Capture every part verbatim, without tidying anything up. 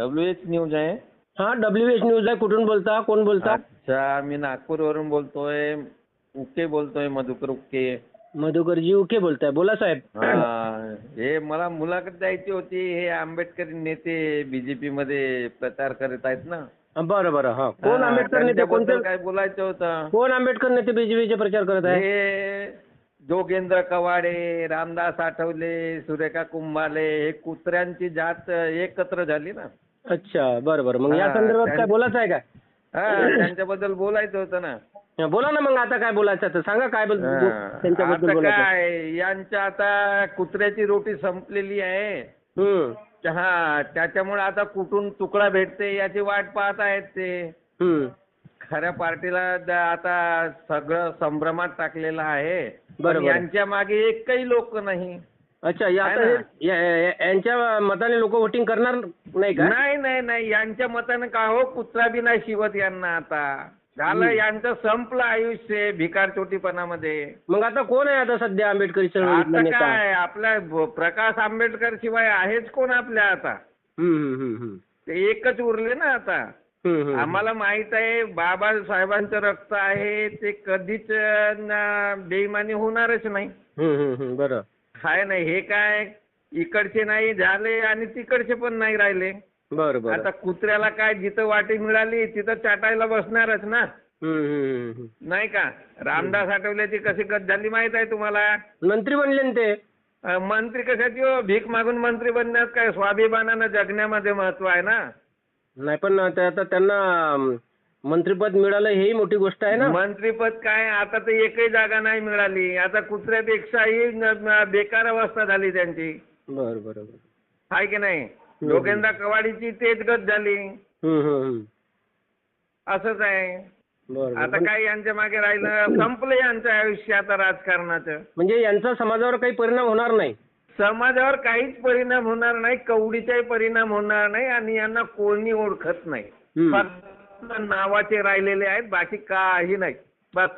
W H news आहे. हा W H news आहे. कुठून बोलता? कोण बोलता? अच्छा, मी नागपूरवरून बोलतोय. उके बोलतोय, मधुकर उके. मधुकरजी उके बोलताय. बोला साहेब. हा, हे मला मुलाखत द्यायची होती. हे आंबेडकरी नेते बीजेपी मध्ये प्रचार करत आहेत ना. बरं बरं. हा, कोण हा, आंबेडकर नेते? त्यांच्याबद्दल कोणते? काय बोलायचं होतं. कोण आंबेडकर नेते बीजेपीचे प्रचार करत आहे? हे जोगेंद्र कवाडे, रामदास आठवले, सुरेखा कुंभाले, हे कुत्र्यांची जात एकत्र झाली ना. अच्छा, बरं बरं. मग या हा, संदर्भात काय त्यां- बोलायचं आहे का? हा, त्यांच्याबद्दल बोलायचं होतं ना. हा, बोला ना. मग आता काय बोलायचं तर सांगा. काय बोल- हा, त्यांच्याबद्दल आता बोलायचं? काय, यांच्या आता कुत्र्याची रोटी संपलेली आहे. हम्म हा, त्याच्यामुळे आता कुठून तुकडा भेटते याची वाट पाहत आहेत ते. हम्म खऱ्या पार्टीला द- आता सगळं संभ्रमात टाकलेलं आहे. पण बरोबर. यांच्या मागे एकही लोक नाही. अच्छा, या- आहे आता ना? हे- या- या- यांच्या मताने लोक वोटिंग करणार नाही का? नाही नाही नाही, यांच्या मतानं का हो, कुत्रा बी नाही शिवत यांना आता. झालं, हम्म. यांचं संपलं आयुष्य भिकार चोटीपणामध्ये. मग आता कोण आहे आता सध्या आंबेडकरी चळवळीतला आता नेता? काय, आपल्या ब- प्रकाश आंबेडकर शिवाय आहेच कोण आपल्या आता. हम्म हम्म हम्म हम्म. ते एकच उरले ना आता. हम्म, हम्म. आम्हाला माहित आहे बाबासाहेबांचं रक्त आहे, ते कधीच न- बेईमानी होणारच नाही. हम्म, हम्म, हम्म. बरं. हाय नाही, हे काय इकडचे नाही झाले आणि तिकडचे पण नाही राहिले. बरं बरं. आता कुत्र्याला काय, जिथं वाटी मिळाली तिथं चाटायला बसणारच ना. हम्म, हम्म, हम्म, हम्म. नाही का. रामदास आठवल्याची कशी गत झाली माहित आहे तुम्हाला. मंत्री बनले ना ते. अं, मंत्री कशाची हो, भीक मागून मंत्री बनण्यात काय स्वाभिमानानं जगण्यामध्ये महत्व आहे ना. नाही पण ते आता त्यांना अं, मंत्रिपद मिळालं हेही मोठी गोष्ट आहे ना. मंत्रीपद काय, आता तर एकही जागा नाही मिळाली. आता कुत्र्यापेक्षाही न- न- बेकार अवस्था झाली त्यांची. बरं बरं बरं. आहे की नाही. जोगेंद्र कवाडीची तेच गत झाली. हम्म, हम्म, हम्म. असंच आहे. बरं बरं. आता काय यांच्या मागे राहिलं, संपलं यांचं आयुष्य आता राजकारणाचं. म्हणजे यांचा समाजावर काही परिणाम होणार नाही. समाजावर काहीच परिणाम होणार नाही, कवडीचाही परिणाम होणार नाही आणि यांना कोणी ओळखत नाही. हम्म. फक्त नावाचे राहिलेले आहेत, बाकी काही नाही. बस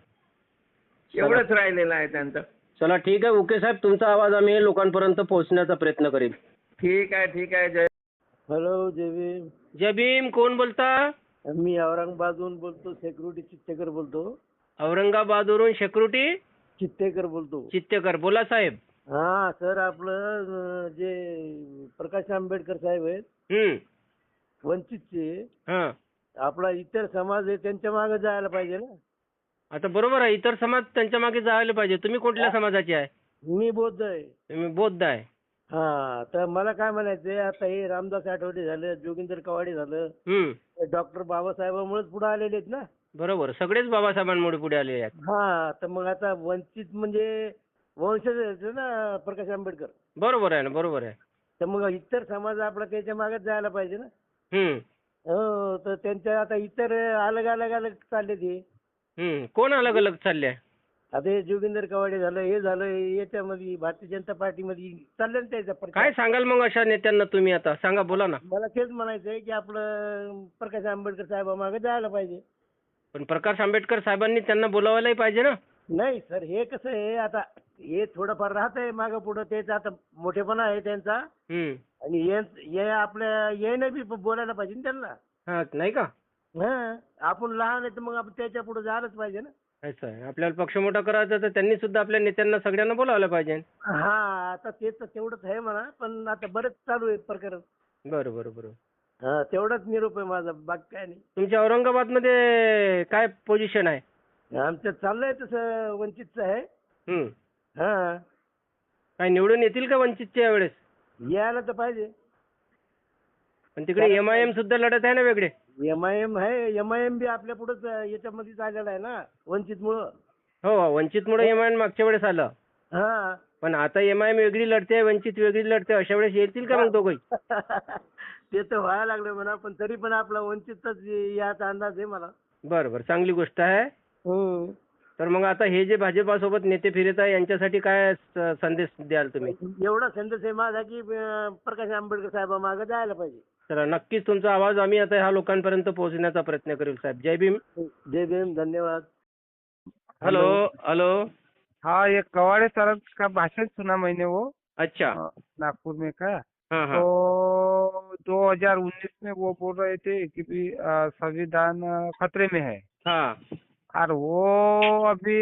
एवढंच राहिलेलं आहे त्यांचं. चला ठीक आहे. ओके साहेब, तुमचा आवाज आम्ही लोकांपर्यंत पोहोचण्याचा प्रयत्न करेल. ठीक आहे ठीक आहे. जय हॅलो जय भीम. जय भीम. कोण बोलता? मी औरंगाबादहून बोलतो. सेक्युरिटी चित्तेकर बोलतो. औरंगाबादवरून सेक्युरिटी चित्तेकर बोलतो. चित्तेकर. बोला साहेब. हा सर, आपलं अं, जे प्रकाश आंबेडकर साहेब आहेत हम्म. वंचितचे, हा. आपला इतर समाज आहे त्यांच्या मागे जायला पाहिजे ना. आता बरोबर आहे, इतर समाज त्यांच्या मागे जायला पाहिजे. तुम्ही कुठल्या समाजाचे आहे? मी बौद्ध आहे. तुम्ही बौद्ध आहे. हा, तर मला काय म्हणायचंय, आता हे रामदास आठवले झालं, जोगिंदर कवाडे झालं, हम्म. डॉक्टर बाबासाहेबांमुळेच पुढे आलेले आहेत ना. बरोबर. सगळेच बाबासाहेबांमुळे पुढे आलेले आहेत. हा, तर मग आता वंचित म्हणजे वंशज आहेत ना प्रकाश आंबेडकर. बरोबर आहे ना. बरोबर आहे. तर मग इतर समाज आपला त्याच्या मागेच जायला पाहिजे ना. हम्म. हो, तर त्यांच्या आता इतर अलग अलग अलग चालले ते. हम्म. कोण अलग अलग चालले? आता हे जोगिंदर कवाडे झालं, हे झालं, याच्यामध्ये भारतीय जनता पार्टीमध्ये चालले ना त्याचा प्रचार. काय सांगाल मग अशा नेत्यांना तुम्ही? आता सांगा, बोला ना. मला तेच म्हणायचंय की आपलं प्रकाश आंबेडकर साहेबामागे जायला पाहिजे. पण प्रकाश आंबेडकर साहेबांनी त्यांना बोलावायलाही पाहिजे ना. नाही सर, हे कसं आहे, आता हे थोडंफार राहत आहे मागं पुढं, त्याचा आता मोठेपणा आहे त्यांचा. हम्म. आणि हे हे आपल्या येणं बी बोलायला पाहिजे ना त्यांना. हा, नाही का? हा, आपण लहान आहे तर मग आपण त्याच्या पुढे जायलाच पाहिजे ना. असं आहे. आपल्याला पक्ष मोठा करायचा तर त्यांनी सुद्धा आपल्या नेत्यांना सगळ्यांना बोलावलं पाहिजे. हा, आता ते तर तेवढंच आहे म्हणा, पण आता बरेच चालू आहे प्रकरण. बरं बरं बरं. हा, तेवढाच निरोप आहे माझा, बाकी काय नाही. तुमच्या औरंगाबादमध्ये काय पोझिशन आहे? आमचं चाललंय तसं वंचितचं आहे. हम्म. हा, काय निवडून येतील का वंचितच्या यावेळेस? यायला तर पाहिजे. पण तिकडे एम आय एम सुद्धा लढत आहे ना वेगळे. एम आय एम आहे, एम आय एम बी आपल्या पुढेच याच्यामध्येच आलेला आहे ना वंचितमुळं. हो, वंचितमुळे एम आय एम मागच्या वेळेस आलं. हा. पण आता एम आय एम वेगळी लढते, वंचित वेगळी लढते. अशा वेळेस येतील का मग दोघंही? ते तर व्हायला लागलं म्हणा, पण तरी पण आपला वंचितचाच याचा अंदाज आहे मला. बरं बरं, चांगली गोष्ट आहे. हम्म. तर मग आता हे जे भाजपासोबत नेते फिरत आहे यांच्यासाठी काय स- संदेश द्याल तुम्ही? एवढा संदेश आहे माझा की अं, प्रकाश आंबेडकर साहेबामागे जायला पाहिजे. तर नक्कीच तुमचा आवाज आम्ही आता ह्या लोकांपर्यंत पोहोचण्याचा प्रयत्न करू साहेब. जय भीम. जय भीम. धन्यवाद. Hello hello. हाँ, ये कवाड़े साहब का भाषण सुना मैंने वो अच्छा. नागपुर में का। हाँ हाँ. तो दो हजार उन्नीस में वो बोल रहे थे कि भी अ, संविधान अ, खतरे में है, हाँ और वो अभी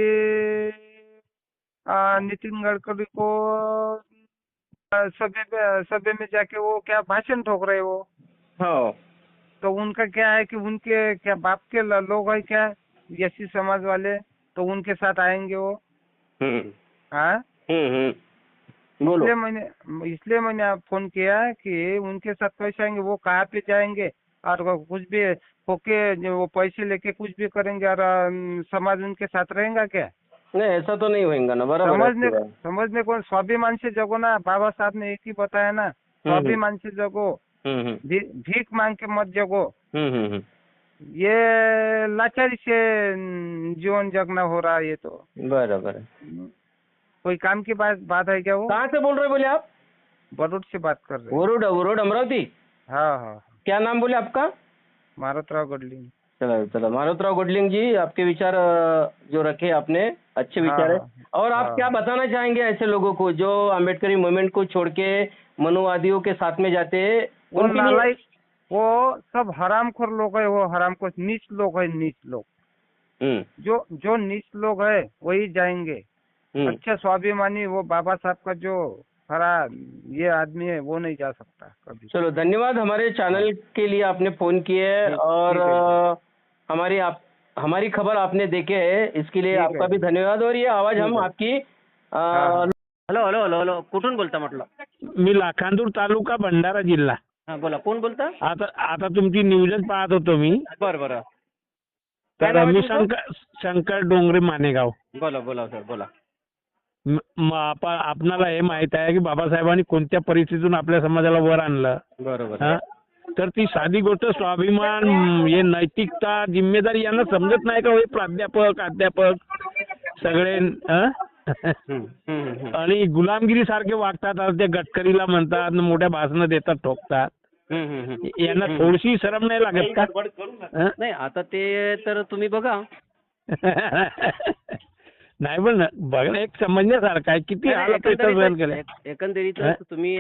अ, नितिन गडकरी को अ, सभे में सभे में जाके वो क्या भाषण ठोक रहे वो। हो तो उनका क्या है कि उनके क्या बाप के ल- लोग है क्या एस सी समाज वाले, तो उनके साथ आएंगे वो। हम्म हाँ, हम्म हम्म बोलो। इसलिए मैंने इसलिए मैंने आप फोन किया कि उनके साथ कैसे आएंगे, वो कहाँ पे जाएंगे, और वो कुछ भी होके जो वो पैसे लेके कुछ भी करेंगे, और अम, समाज उनके साथ रहेगा क्या? नहीं ऐसा तो नहीं होएगा ना, बराबर है समझने आपकी बात। समझने कौन, स्वाभिमान से जगो ना, बाबा साहब ने एक ही बताया ना, स्वाभिमान से जगो, हम्म हम्म भी, भीख मांग के मत जगो। हम्म हम्म हम्म, ये लाचारी से अम, जीवन जगना हो रहा है ये तो। बराबर है। कोई काम की बात बात है क्या वो? कहाँ से बोल रहे बोले आप? बरूड से बात कर रहे हैं। वरुड वरुड अमरावती। हाँ हाँ, क्या नाम बोले आपका? मारुतराव गडलिंग। चलो चलो, मारुतराव गुडलिंग जी, आपके विचार अ, जो रखे आपने, अच्छे हाँ विचार है। हाँ और आप हाँ। क्या बताना चाहेंगे ऐसे लोगों को जो अम्बेडकरी मूवमेंट को छोड़ के मनुवादियों के साथ में जाते हैं? वो उनके लिए- नालायक, वो सब हरामखोर लोग है, वो हरामखोर नीच लोग है, नीच लोग। हम्म जो जो नीच लोग है वही जाएंगे। हम्म अच्छा स्वाभिमानी वो बाबा साहब का जो हरा ये आदमी है वो नहीं जा सकता कभी। चलो धन्यवाद, हमारे चैनल के लिए आपने फोन किए है, ठीक- और ठीक है। अ, हमारी आप हमारी खबर आपने देखे है, इसके लिए ठीक आपका है। भी धन्यवाद। और ये आवाज ठीक हम है। आपकी हाँ। हॅलो हॅलो हॅलो हॅलो कुठून बोलता म्हटलं? मी लाखांदूर तालुका भंडारा जिल्हा. हा बोला, कोण बोलता? आता आता तुमची न्यूजच पाहत होतो मी. बरं बरं, काय तर नाव आहे मी तुमचं? शंकर शंकर डोंगरे मानेगाव. बोला बोला सर बोला. म- म- आपा- आपणाला हे माहित आहे की बाबासाहेबांनी कोणत्या परिस्थितीतून आपल्या समाजाला वर आणलं. बरोबर हा? तर ती साधी गोष्ट स्वाभिमान, हे नैतिकता, जिम्मेदारी यांना समजत नाही का? हे प्राध्यापक अध्यापक सगळे हा? हम्म, हम्म, हम्म. आणि गुलामगिरी सारखे वागतात. आज ते गडकरीला म्हणतात, मोठ्या भाषणं देतात, ठोकतात. हम्म, हम्म, हम्म. यांना थोडीशी शरम नाही लागत का? हा? नाही आता ते तर तुम्ही बघा. नाही पण बघ ना, एक समजण्यासारखं आहे. किती हाल अपेक्षा सहन केले. एकंदरीत एकंदरीत हा? तुम्ही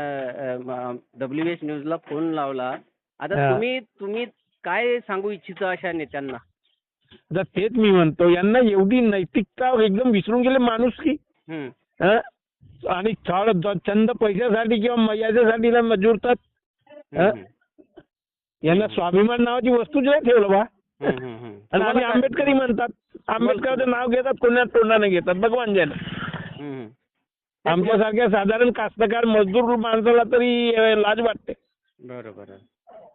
डब्ल्यू एच न्यूजला फोन लावला. आता हा. तुम्ही तुम्ही काय सांगू इच्छिता अशा नेत्यांना? तर तेच मी म्हणतो, यांना एवढी नैतिकता एकदम विसरून गेले, माणूस की हम्म, आणि थोड चंद पैशासाठी किंवा मर्यादेसाठी ना जुळतात. हम्म, हम्म. यांना स्वाभिमान नावाची वस्तूच नाही ठेवलं बा. हम्म, हम्म, हम्म. आणि तुम्हाला आम्ही काय- आंबेडकरी म्हणतात, आंबेडकरचं नाव घेतात, कोणा तोंडाने घेतात. भगवान जैन. हम्म, हम्म. आमच्यासारख्या साधारण कास्तकार मजदूर माणसाला तरी अ, लाज वाटते. बरोबर आहे.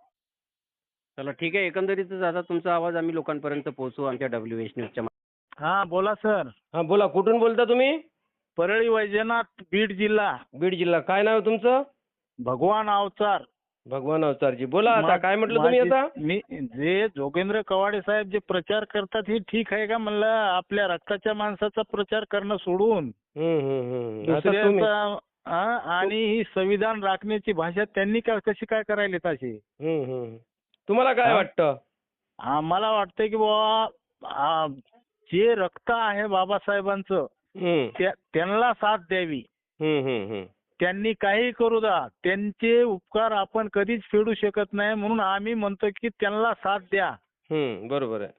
चला ठीक आहे, एकंदरीतच आता तुमचा आवाज आम्ही लोकांपर्यंत पोहोचवू आमच्या डब्ल्यू एच न्यूजच्या. हा बोला सर. हा बोला, कुठून बोलता तुम्ही? परळी वैजनाथ बीड जिल्हा. बीड जिल्हा. काय नाव आहे तुमचं? भगवान अवतार. भगवान अवतारजी. बोला आता, मा- काय म्हटलं तुम्ही माझी- आता? मी जे जोगेंद्र कवाडे साहेब जे प्रचार करतात हे ठीक आहे का म्हणलं? आपल्या रक्ताच्या माणसाचा प्रचार करणं सोडून हम्म, हम्म, हम्म. आता तुम्ही- दुसऱ्याचा हा, आणि ही संविधान राखण्याची भाषा त्यांनी काय कशी काय करायला तशी? हम्म, हम्म. तुम्हाला काय हा? वाटतं? आम्हाला वाटतंय की बाबा जे रक्त आहे बाबासाहेबांचं हम्म, त्या- त्यांना साथ द्यावी. हम्म, हम्म, हम्म. त्यांनी काही करू द्या, त्यांचे उपकार आपण कधीच फेडू शकत नाही, म्हणून आम्ही म्हणतो की त्यांना साथ द्या. हम्म, बरोबर आहे.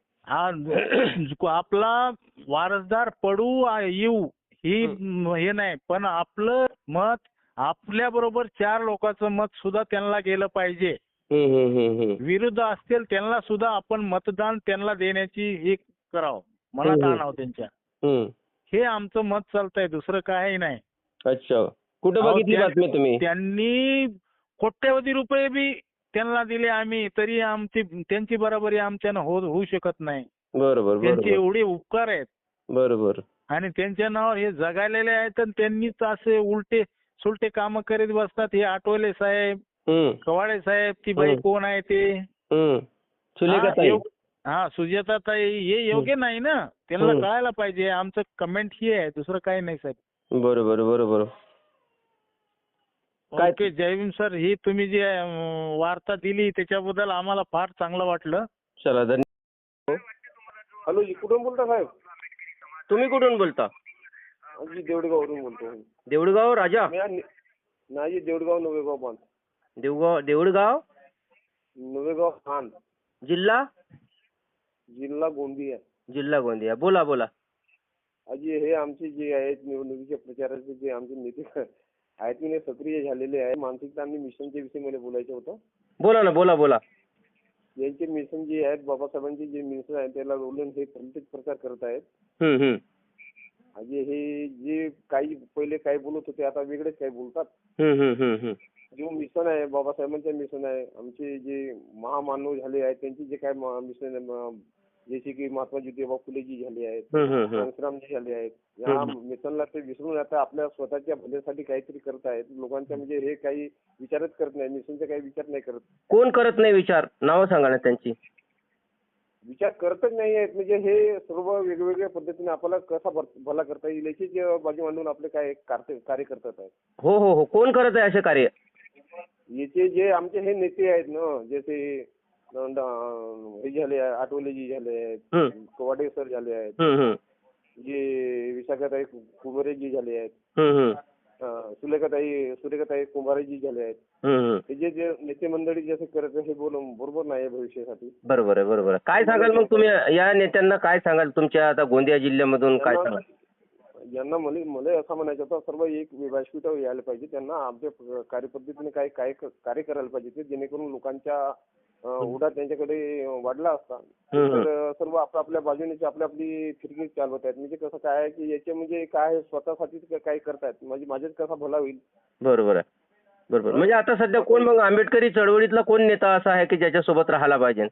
हा आपला वारसदार पडू आ- येऊ ही हे नाही, पण आपलं मत आपल्या बरोबर चार लोकांचं मत सुद्धा त्यांना गेलं पाहिजे. हम्म, हम्म, हम्म, हम्म. विरुद्ध असतील त्यांना सुद्धा आपण मतदान त्यांना देण्याची हे करावं, मनात हम्म. आणावं त्यांच्या. हम्म. हे आमचं मत चालतंय, दुसरं काही नाही. अच्छा, कुठे अहो, बघितली त्या- बातमी तुम्ही? त्यांनी कोट्यवधी रुपये बी त्यांना दिले आम्ही, तरी आमची त्यांची बरोबरी आमच्यानं हो होऊ शकत नाही. बरोबर त्यांचे बरोबर एवढे उपकार आहेत बरोबर. आणि त्यांच्या नावावर हे जगालेले आहेत, आणि त्यांनीच असे उलटे सुलटे काम करीत बसतात. हे आठवले साहेब, हम्म, कवाडे साहेब, ती बाई हम्म. कोण आहे ते? हम्म. सुलेखा हा, ताई. एव- हा सुजाता ताई, हे योग्य नाही ना. त्यांना हम्म. कळायला पाहिजे. आमचं कमेंट ही आहे, दुसरं काही नाही साहेब. बरोबर बरोबर. काय- ओके, जय भीम सर. ही तुम्ही जी अं, वार्ता दिली त्याच्याबद्दल आम्हाला फार चांगलं वाटलं. चला धन्यवाद. हॅलो जी, कुठून बोलता साहेब? तुम्ही कुठून बोलता? जी देवडगाववरून बोलतो. देऊळगाव राजा. मी आ- नाही देवडगाव नवेगाव बांध. देऊगाव देऊळगाव नवेगाव खान, जिल्हा जिल्हा गोंदिया. जिल्हा गोंदिया. बोला बोला. अजी हे आमचे जे आहेत निवडणुकीच्या प्रचाराचे जे आमचे नेते आहेत की नाही सक्रिय झालेले आहे. मानसिकता आणि मिशनच्या विषयी मला बोलायचं होतं. बोला ना बोला बोला. यांचे मिशन जे आहेत बाबासाहेबांचे जे मिशन आहेत त्याला रोलून हे प्रत्येक प्रचार करत आहेत. हम्म हम्म म्हणजे हे जे काही पहिले काय बोलत होते आता वेगळेच काय बोलतात. हम्म हम्म हम्म हम्म. जो मिशन आहे बाबासाहेबांचे मिशन आहे, आमचे जे महामानव झाले आहेत त्यांचे जे काय मिशन आहे, जसे की महात्मा ज्योतिबा फुलेजी झाले आहेत, हम्म हम्म हम्म. घनश्यामजी झाले आहेत, या मिशनला ते विसरून आता आपल्या स्वतःच्या भल्यासाठी काहीतरी करत आहेत. लोकांच्या म्हणजे हे काही विचारच करत नाही, मिशनचा काही विचार नाही करत. कोण करत नाही विचार? नावं सांगा ना त्यांची. विचार करतच नाही आहेत. म्हणजे हे सर्व वेगवेगळ्या पद्धतीने आपल्याला कसा भर- भला करता येईल याची बाजू मांडून आपले काय कार्य कार्य करतात आहेत. हो हो हो. कोण करत आहे असे कार्य? याचे जे आमचे हे नेते आहेत ना, जसे अं, हे झाले आहे, आठवलेजी झाले आहेत, हम्म कवाडे सर झाले आहेत, हम्म हम्म जे विशाखाताई कुंभारेजी झाले आहेत, हम्म हम्म अं, सुलेखाताई सुरेखाताई कुंभारेजी झाले आहेत. हम्म हम्म. हे जे जे नेते मंडळी जसे करत आहे हे बोलून बरोबर नाही आहे भविष्यासाठी. बरोबर आहे बरोबर आहे. काय सांगाल मग तुम्ही या नेत्यांना? काय सांगाल तुमच्या आता गोंदिया जिल्ह्यामधून काय सांगाल? यांना मला मला असं म्हणायचं होतं, सर्व एक व्यासपीठावर यायला पाहिजे. त्यांना आमच्या कार्यपद्धतीने काय काय कार्य करायला पाहिजे ते, जेणेकरून लोकांच्या अं, ओढा त्यांच्याकडे वाढला असता. तर सर्व आपल्या बाजूने आपली आपली फिरकी चालवत आहेत. म्हणजे कसं काय आहे की याचे म्हणजे काय स्वतःसाठी काय करतायत, म्हणजे माझ्याच कसा भला होईल. बरोबर आहे बरोबर. म्हणजे आता सध्या कोण मग आंबेडकरी चळवळीतला कोण नेता असा आहे की ज्याच्यासोबत राहायला पाहिजे?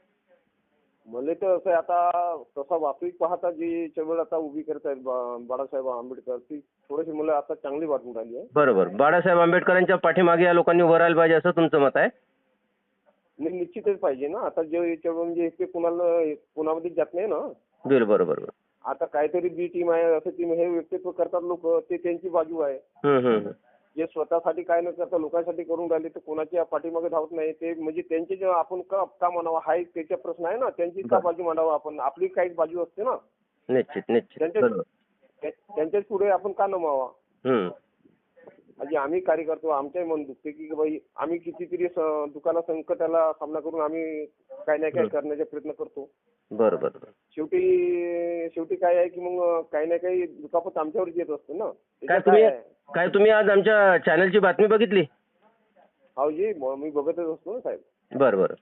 मला तर असं आहे, आता तसा वास्तविक पाहता जी चळवळ आता उभी करतायत बा- बाळासाहेब आंबेडकर, ती थोडीशी मला आता चांगली वाटून राहिली आहे. बरोबर. बाळासाहेब आंबेडकरांच्या पाठीमागे या लोकांनी उभं राहायला पाहिजे असं तुमचं मत आहे? नाही, निश्चितच पाहिजे ना. आता जे चळवळ म्हणजे ते कुणाला कुणामध्ये जात नाही ना. बिल बरोबर बरोबर. आता काहीतरी बी टीम आहे असं टीम हे व्यक्तित्व करतात लोक, ते त्यांची बाजू आहे. हम्म हम्म जे स्वतःसाठी काय न करता लोकांसाठी करून राहिले ते कोणाच्या पाठीमागे धावत नाही. ते म्हणजे त्यांचे जे आपण का का म्हणावं हा एक त्याचा प्रश्न आहे ना. त्यांची का बाजू मांडावं आपण, आपली काही बाजू असते ना. निश्चित निश्चित. त्यांच्या बरोबर. त्या- त्यांच्याच पुढे आपण का नमावा. हम्म म्हणजे आम्ही कार्य करतो, आमच्याही मन दुखते की बाई आम्ही कितीतरी स- दुकाना संकटाला सामना करून आम्ही काही ना काही करण्याचा प्रयत्न करतो. बरोबर बरोबर. शेवटी शेवटी काय आहे की मग काही ना काही दुखापत आमच्यावरच येत असते ना. काय त्याच्यात तुम्ही काय आहे? काय तुम्ही आज आमच्या चॅनलची बातमी बघितली? हो जी, म- मी बघतच असतो ना साहेब. बरं बरं.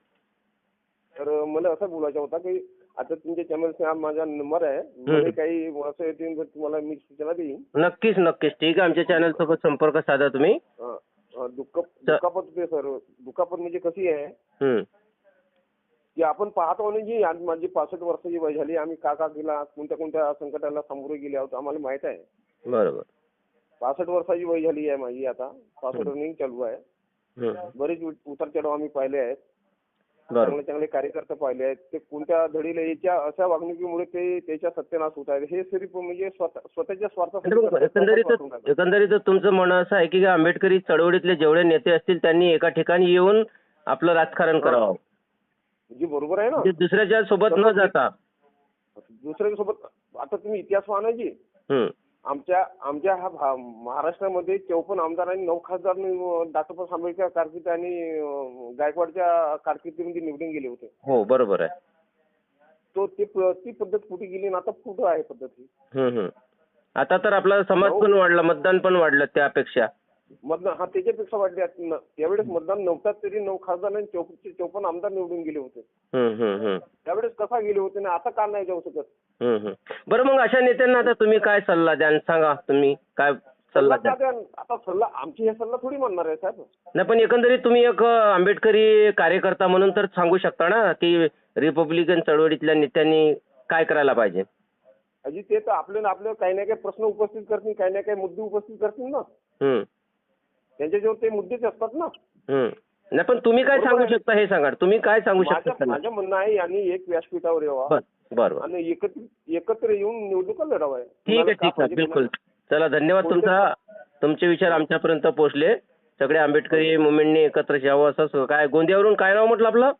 तर मला असं बोलायचं होतं की आता तुमच्या चॅनलचा माझा नंबर आहे, मला काही असं येतील तर तुम्हाला मी सूचना देईन. नक्कीच नक्कीच. ठीक आहे. आमच्या चॅनल सोबत संपर्क साधा तुम्ही. अं, अं, दुःख दुखापत होते सर. दुखापत म्हणजे कशी आहे हम्म की आपण पाहतो ना जी आज माझी पासष्ट वर्षाची वय झाली, आम्ही का का गेला कोणत्या कोणत्या संकटाला सामोरे गेले आहोत आम्हाला माहित आहे. बरोबर. पासष्ट वर्षाची वय झाली आहे माझी आता. पासष्ट रनिंग चालू आहे. हम्म बरेच उतार चढाव आम्ही पाहिले आहेत. बरोबर. चांगले चांगले कार्यकर्ते पाहिले आहेत. ते कोणत्या धडीला याच्या अशा वागणुकीमुळे ते त्याच्या सत्यानाश होत आहे. हे सिर्फ म्हणजे स्वतः स्वतःच्या स्वार्थासाठी करतात. एकंदरीत एकंदरीत तुमचं म्हणणं असं आहे की आंबेडकरी चळवळीतले जेवढे नेते असतील त्यांनी एका ठिकाणी येऊन आपलं राजकारण करावं, म्हणजे बरोबर आहे ना. म्हणजे दुसऱ्याच्या सोबत न जाता. दुसऱ्यासोबत आता तुम्ही इतिहास पाहा ना जी, हम्म आमच्या आमच्या हा भा- महाराष्ट्रामध्ये चौपन्न आमदारांनी नऊ खासदारांनी डॉक्टर आंबेडकर कारकिर्दी आणि अं, गायकवाडच्या कारकिर्दीमध्ये निवडून गेले होते. हो बरोबर आहे. तो ते प- ती पद्धत कुठे गेली आणि आता कुठं आहे पद्धत ही. हम्म हम्म. आता तर आपला समाज पण वाढला, मतदान पण वाढलं त्यापेक्षा. मतदान हा त्याच्यापेक्षा वाढले आहेत. न- त्यावेळेस मतदान नव्हतात तरी नऊ खासदार आणि चौक- चौपन्न आमदार निवडून गेले होते. हम्म हम्म हम्म त्यावेळेस कसा गेले होते ना आता का नाही जाऊ शकत. हम्म हम्म. बरं मग अशा नेत्यांना आता तुम्ही काय सल्ला द्याल सांगा? तुम्ही काय सल्ला सल्ला द्याल? का द्या? आता सल्ला आमची हे सल्ला थोडी म्हणणार आहे साहेब. नाही पण एकंदरीत तुम्ही एक अ, आंबेडकरी कार्यकर्ता म्हणून तर सांगू शकता ना की रिपब्लिकन चळवळीतल्या नेत्यांनी काय करायला पाहिजे? अजी ते तर आपले आपले काही ना काही प्रश्न उपस्थित करतील, काही ना काही मुद्दे उपस्थित करतील ना. हम्म त्यांच्याजवळ ते मुद्देच असतात ना. हम्म. नाही पण तुम्ही काय सांगू शकता हे सांगा. तुम्ही काय सांगू शकता माझं त्यांना? माझं म्हणणं आहे यांनी एक व्यासपीठावर यावं बरं बरं. आणि एकत्र एकत्र येऊन निवडणुका लढाव्या. ठीक आहे ठीक आहे बिलकुल. चला धन्यवाद तुमचा. तुमचे विचार आमच्यापर्यंत पोहोचले. सगळे आंबेडकरी मुवमेंटने एकत्र यावं असं काय. गोंदियावरून काय नाव म्हटलं आपलं?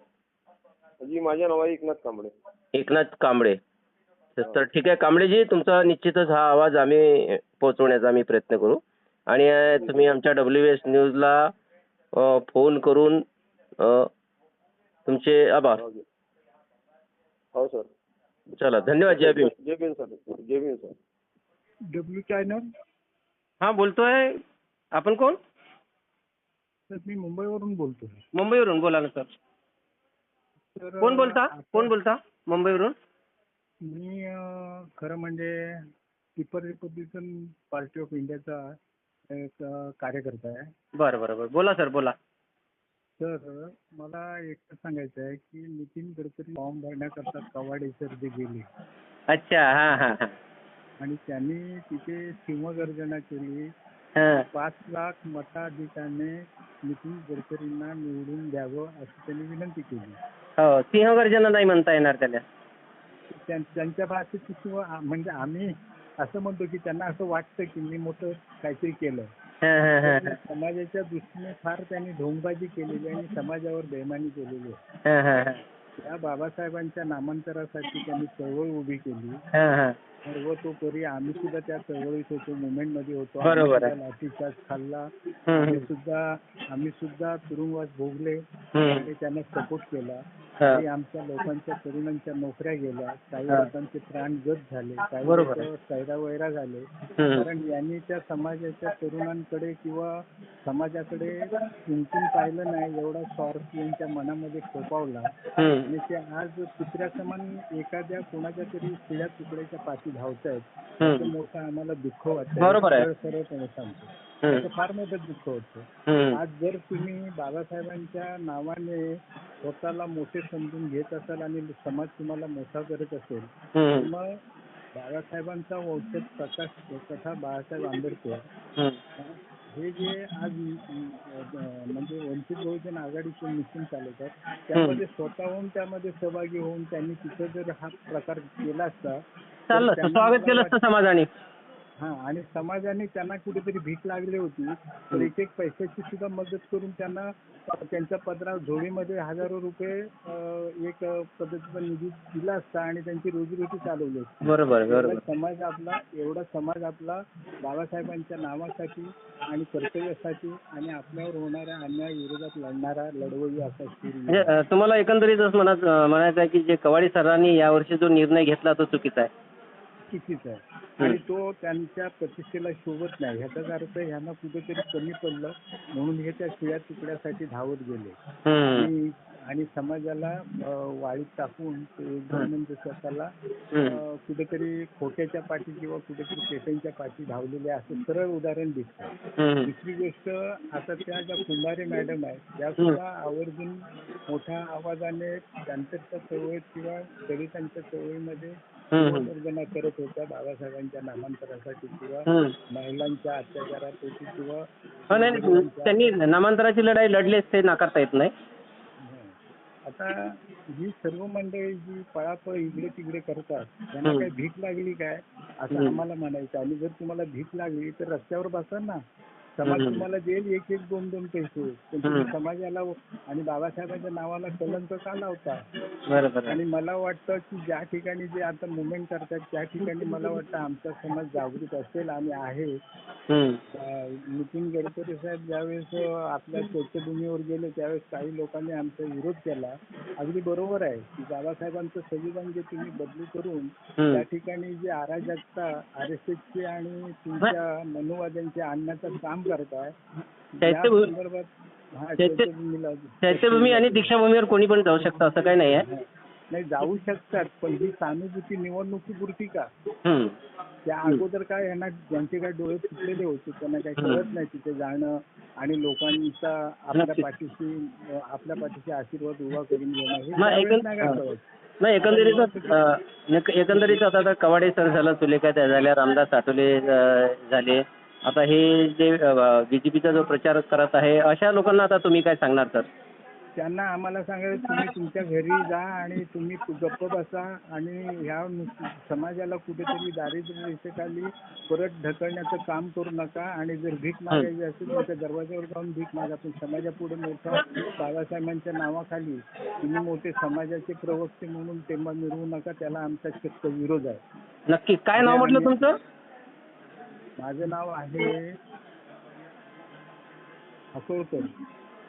जी माझं नाव आहे एकनाथ कांबळे. एकनाथ कांबळे. तर ठीक आहे कांबळेजी, तुमचा निश्चितच हा आवाज आम्ही पोहोचवण्याचा आम्ही प्रयत्न करू. आणि अ, तुम्ही आमच्या डब्ल्यू एस न्यूजला अ, फोन करून अ, तुमचे आभार. हो सर. चला धन्यवाद. जय भीम. जय भीम सर. जय भीम सर. W channel. हा बोलतोय. आपण कोण? तर मी मुंबईवरून बोलतोय. मुंबईवरून. बोला ना सर. तर कोण बोलता? आता कोण बोलता मुंबईवरून? मी अं, खरं म्हणजे पीपल रिपब्लिकन पार्टी ऑफ इंडियाचा एक अं, कार्यकर्ता आहे. बरं बरं बरं. बोला सर बोला. तर मला एकच सांगायचं आहे की नितीन गडकरी फॉर्म भरण्याकरता कवाडे सर जे गेले अच्छा. हा हा हा. आणि त्यांनी तिथे सिंहगर्जना केली. हा. पाच लाख मताधिकाने नितीन गडकरींना निवडून द्यावं अशी त्यांनी विनंती केली. हो. सिंहगर्जना नाही म्हणता येणार त्याला. त्यां- त्यांच्या भाषेत किंवा म्हणजे आम्ही असं म्हणतो की त्यांना असं वाटतं की मी मोठं काहीतरी केलं. हा हा हा पण समाजाच्या दृष्टीने फार त्यांनी ढोंगबाजी केलेली आणि समाजावर बेईमानी केलेली आहे. हा हा हा. त्या बाबासाहेबांच्या नामांतरासाठी त्यांनी चळवळ उभी केली. हा हा. सर्वतोपरी आम्ही सुद्धा त्या चळवळीत होतो, मुवमेंट मध्ये होतो. बरोबर आहे. आम्ही सुद्धा लाठीचार्ज खाल्ला. हम्म. आम्ही सुद्धा आम्ही सुद्धा तुरुंगवास भोगले हम्म. आणि त्यांना सपोर्ट केला. हा. काही आमच्या लोकांच्या तरुणांच्या नोकऱ्या गेल्या, काही हा. लोकांचे प्राण गत झाले, काही बरोबर लोक सैरावैरा झाले. हम्म. कारण यांनी त्या समाजाच्या तरुणांकडे किंवा समाजाकडे कुंकून पाहिलं नाही, एवढा स्वार्थ यांच्या मनामध्ये फोपावला हम्म. आणि ते आज कुत्र्या समान एखाद्या कोणाच्या तरी शिळ्या तुकड्याच्या पाठी धावतायत. हम्म. त्याचं मोठं आम्हाला दुःख वाटतं. बरोबर आहे. सरळ सरळपणे सांगतो. हम्म. त्याचं फार मोठं दुःख होतं. हम्म. आज जर तुम्ही बाबासाहेबांच्या नावाने स्वतःला मोठे समजून घेत असाल आणि समाज तुम्हाला मोठा करत असेल तर हम्म. मग बाबासाहेबांचा वंशज प्रकाश तथा बाळासाहेब आंबेडकर हम्म. हे जे आज अं, म्हणजे वंचित बहुजन आघाडीचे मिशन चालवतात त्यामध्ये स्वतःहून त्यामध्ये सहभागी होऊन त्यांनी तिथं जर हा प्रकार केला असता तर चाललं असतं. त्यांना स्वागत मला केलं असतं समाजाने. हा आणि समाजाने त्यांना कुठेतरी भीक लागली होती तर एक एक पैशाची सुद्धा मदत करून त्यांना अ, त्यांच्या पदरा झोळीमध्ये हजारो रुपये अ, एक अ, पद्धतीचा निधी दिला असता आणि त्यांची रोजीरोटी चालवली असती. बरोबर एवढा बरोबर. समाज आपला एवढा समाज आपला बाबासाहेबांच्या नावासाठी आणि कर्तव्यासाठी आणि आपल्यावर होणाऱ्या अन्याय विरोधात लढणारा लढवई असा म्हणजे शूर अ, तुम्हाला एकंदरीतच म्हणत म्हणायचं आहे की जे कवाडी सरांनी यावर्षी जो निर्णय घेतला तो चुकीचा आहे. चुकीचा आहे आणि तो त्यांच्या प्रतिष्ठेला शोभत नाही. ह्याचाच अर्थ ह्यांना कुठेतरी कमी पडलं म्हणून हे त्या शिळ्या तुकड्यासाठी धावत गेले हम्म. आणि आणि समाजाला अ, वाळीत टाकून ते एकदम म्हणजे स्वतःला अ, कुठेतरी खोट्याच्या पाठी किंवा कुठेतरी पेट्यांच्या पाठी धावलेले असं सरळ उदाहरण दिसतं. हम्म. दुसरी गोष्ट आता त्या ज्या कुंभारे मॅडम आहेत त्या सुद्धा आवर्जून मोठ्या आवाजाने त्यांच्या चळवळीत किंवा दलितांच्या चळवळीमध्ये हम्म. गर्जना करत होत्या बाबासाहेबांच्या नामांतरासाठी किंवा हम्म. महिलांच्या अत्याचारापोटी किंवा हो, नाही नाही. त्यांनी नामांतराची लढाई लढलीच ते नाकारता येत नाही. हं. आता ही सर्व मंडळी जी पळापळ इकडे तिकडे करतात त्यांना हं. काही भीक लागली काय असं हं. आम्हाला म्हणायचं आणि जर तुम्हाला भीक लागली तर रस्त्यावर बसा ना. समाज हं. तुम्हाला देईल एक एक दोन दोन पैसे पण तुम्ही हं. समाजाला आणि बाबासाहेबांच्या नावाला कलंक का लावता. बरोबर आहे. आणि मला वाटतं की ज्या ठिकाणी जे आता मुवमेंट करतात त्या ठिकाणी मला वाटतं आमचा समाज जागृत असेल आणि आहे. हम्म. अं, नितीन गडकरी साहेब ज्यावेळेस अं, आपल्या चैत्यभूमीवर गेले त्यावेळेस काही लोकांनी आमचा विरोध केला. अगदी बरोबर आहे की बाबासाहेबांचं संविधान जे तुम्ही बदली करून हम्म. त्या ठिकाणी जे अराजकता आर एस एसचे आणि तुमच्या मनुवाद्यांचे आणण्याचं काम करताय त्या चैत्यभूमी- संदर्भात हा चैत्य- चैत्यभूमीला चैत्यभूमी आणि दीक्षाभूमीवर कोणी पण जाऊ शकतं असं काही नाही आहे. हा. नाही जाऊ शकतात पण ही सहानुभूती निवडणुकीपुरती का. हम्म. त्या अगोदर काय यांना ज्यांचे काय डोळे फुटलेले होते त्यांना काही कळत नाही तिथे जाणं आणि लोकांचा आपल्या नक्कीच. पाठीशी अं, आपल्या पाठीशी आशीर्वाद उभा करून घेणं हे मग त्यावेळेस एकंद- नाही काय कळत. नाही एकंदरीतच अ, एक- एकंदरीत आता आता कवाडे सर झालं, सुलेखा त्या झाल्या, रामदास आठवले अ, झाले. आता हे जे बीजेपीचा जो प्रचार करत आहे अशा लोकांना आता तुम्ही काय सांगणार सर? त्यांना आम्हाला सांगायचं तुम्ही तुमच्या घरी जा आणि तुम्ही गप्प बसा आणि ह्या नुस- समाजाला कुठेतरी दारिद्र्य रेषेखाली परत ढकलण्याचं काम करू नका आणि जर भीक मागायची असेल तुमच्या दरवाज्यावर जाऊन भीक मागा पण समाजापुढे मोठं बाबासाहेबांच्या नावाखाली तुम्ही मोठे समाजाचे प्रवक्ते म्हणून तेव्हा मिळवू नका. त्याला आमचा चक्क विरोध आहे. नक्की. काय नाव म्हटलं तुमचं? माझं नाव आहे अकोळकर.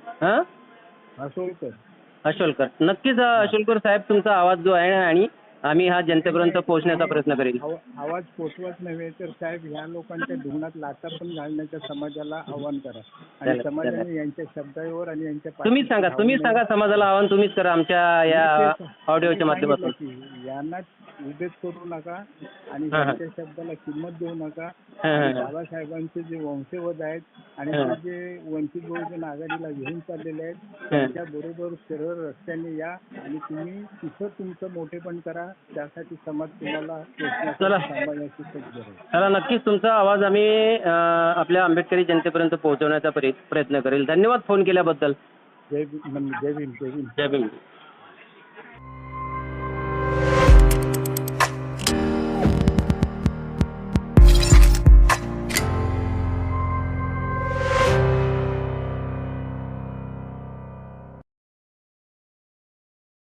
हां असोलकर. अशोलकर. नक्कीच अ, अशोलकर साहेब तुमचा आवाज जो आहे आणि आम्ही हा जनतेपर्यंत पोहोचण्याचा प्रयत्न करेल. आव- आवाज पोचवत नव्हे तर साहेब ह्या लोकांच्या धुण्यात लाथा पण घालण्याच्या समाजाला आव्हान करा आणि चालेल, समाजाने चालेल. यांच्या शब्दावर आणि यांच्या तुम्हीच सांगा तुम्हीच सांगा समाजाला आव्हान तुम्हीच करा आमच्या या ऑडिओच्या माध्यमातून. यांना उभेच करू नका आणि हां, हां. त्यांच्या शब्दाला किंमत देऊ नका. हां, हां, आणि हां. बाबासाहेबांचे जे वंशवद आहेत आणि हां. ते जे वंचित बहुजन आघाडीला घेऊन चाललेले आहेत हां. त्यांच्या बरोबर सरळ रस्त्याने या आणि तुम्ही तिथं तुमचं मोठेपण करा. त्यासाठी समाज तुम्हाला चला. सांभाळण्याची सज्ज आहे. चला नक्कीच तुमचा आवाज आम्ही अ, आपल्या आंबेडकरी जनतेपर्यंत पोहोचवण्याचा प्रयत्न करेल. धन्यवाद फोन केल्याबद्दल. जय भीम जय भीम जय भीम. जय भीम.